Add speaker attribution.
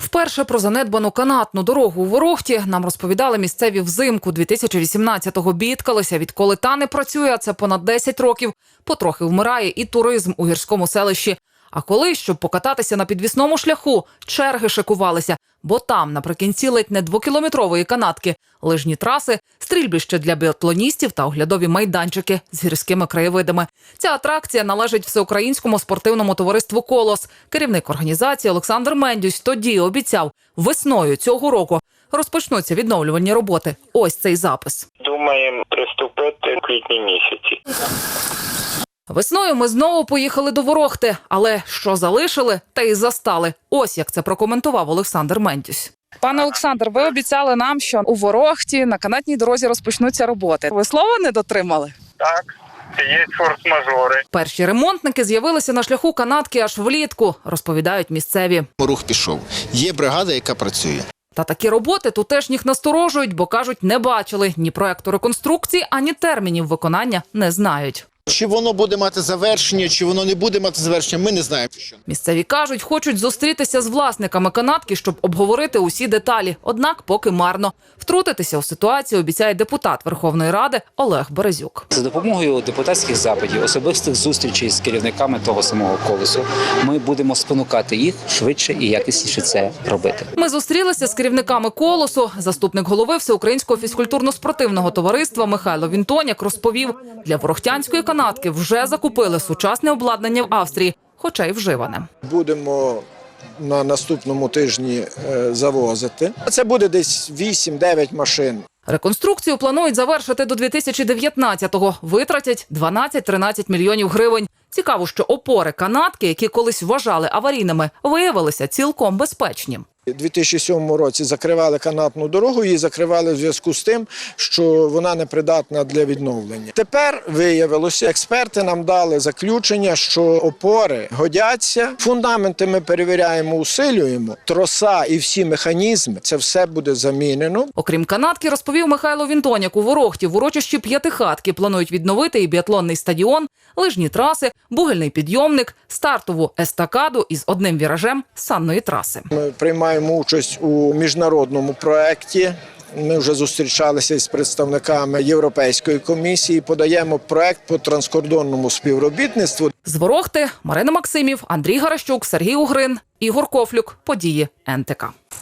Speaker 1: Вперше про занедбану канатну дорогу у Ворохті нам розповідали місцеві взимку 2018-го. Бідкалися, відколи та не працює, а це понад 10 років, потрохи вмирає і туризм у гірському селищі. А коли, щоб покататися на підвісному шляху, черги шикувалися, бо там, наприкінці ледь не 2-кілометрової канатки, лижні траси, стрільбище для біатлоністів та оглядові майданчики з гірськими краєвидами. Ця атракція належить Всеукраїнському спортивному товариству «Колос». Керівник організації Олександр Мендюсь тоді обіцяв, весною цього року розпочнуться відновлювальні роботи. Ось цей запис.
Speaker 2: Думаємо приступити в квітні місяці.
Speaker 1: Весною ми знову поїхали до Ворохти, але що залишили, те й застали. Ось як це прокоментував Олександр Мендюсь.
Speaker 3: Пане Олександр, ви обіцяли нам, що у Ворохті на канатній дорозі розпочнуться роботи. Ви слова не дотримали?
Speaker 2: Так, є форс-мажори.
Speaker 1: Перші ремонтники з'явилися на шляху канатки аж влітку, розповідають місцеві.
Speaker 4: Рух пішов. Є бригада, яка працює.
Speaker 1: Та такі роботи тутешніх насторожують, бо, кажуть, не бачили ні проекту реконструкції, ані термінів виконання не знають.
Speaker 4: Чи воно буде мати завершення, чи воно не буде мати завершення, ми не знаємо.
Speaker 1: Місцеві кажуть, хочуть зустрітися з власниками канатки, щоб обговорити усі деталі. Однак поки марно. Втрутитися у ситуацію обіцяє депутат Верховної Ради Олег Березюк.
Speaker 5: За допомогою депутатських запитів, особистих зустрічей з керівниками того самого «Колосу» ми будемо спонукати їх швидше і якісніше це робити.
Speaker 1: Ми зустрілися з керівниками «Колосу». Заступник голови Всеукраїнського фізкультурно-спортивного товариства Михайло Вінтоняк розповів, для ворохтянської канатки вже закупили сучасне обладнання в Австрії, хоча й вживане.
Speaker 6: Будемо на наступному тижні завозити. Це буде десь 8-9 машин.
Speaker 1: Реконструкцію планують завершити до 2019-го. Витратять 12-13 мільйонів гривень. Цікаво, що опори канатки, які колись вважали аварійними, виявилися цілком безпечні.
Speaker 6: У 2007 році закривали канатну дорогу, її закривали в зв'язку з тим, що вона непридатна для відновлення. Тепер виявилося, експерти нам дали заключення, що опори годяться, фундаменти ми перевіряємо, усилюємо, троса і всі механізми, це все буде замінено.
Speaker 1: Окрім канатки, розповів Михайло Вінтоняк, у Ворохті в урочищі П'ятихатки планують відновити і біатлонний стадіон, лижні траси, бугельний підйомник, стартову естакаду із одним віражем санної траси.
Speaker 6: Ми приймаємо участь у міжнародному проєкті. Ми вже зустрічалися з представниками Європейської комісії, подаємо проєкт по транскордонному співробітництву.
Speaker 1: З Ворохти Марина Максимів, Андрій Гаращук, Сергій Угрин, Ігор Кофлюк. Події НТК.